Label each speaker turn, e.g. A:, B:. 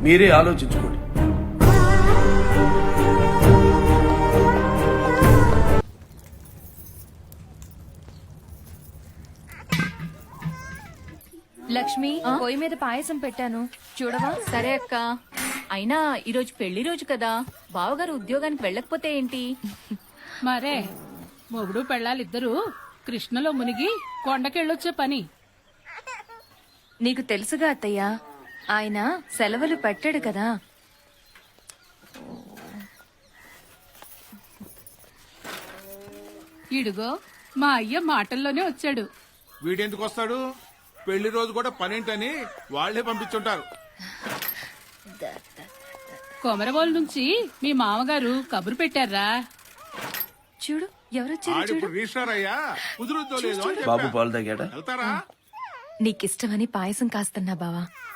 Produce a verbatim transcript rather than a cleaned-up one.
A: మీరే ఆలోచించుకోండి.
B: లక్ష్మి, పొయ్యి మీద పాయసం పెట్టాను చూడవా?
C: సరే అక్క. అయినా ఈరోజు పెళ్లి రోజు కదా, బావగారు ఉద్యోగానికి వెళ్ళకపోతే ఏంటి?
D: మరే మొగుడు పెళ్ళాలిద్దరూ కృష్ణలో మునిగి కొండకెళ్ళొచ్చే పని.
B: నీకు తెలుసుగా అత్తయ్య, ఆయన సెలవులు పెట్టాడు కదా.
D: ఇడుగో మా అయ్య మాటల్లోనే వచ్చాడు.
E: వీడెందుకు వస్తాడు? పెళ్లి రోజు కూడా పనేంటని వాళ్లే పంపించుంటారు.
D: కొమరబోలు నుంచి మీ మామగారు కబురు పెట్టారా?
B: చూడు ఎవరొచ్చారు చూడు.
E: ఆడిప్పుడు రిజిస్టర్ అయ్యా కుదురుద్దో లేదో అని
A: బాబు
E: చెప్పా.
A: పాలు తాగాడా?
E: వెళ్తారా?
B: నీకిష్టమని పాయసం కాస్తున్నా బావా.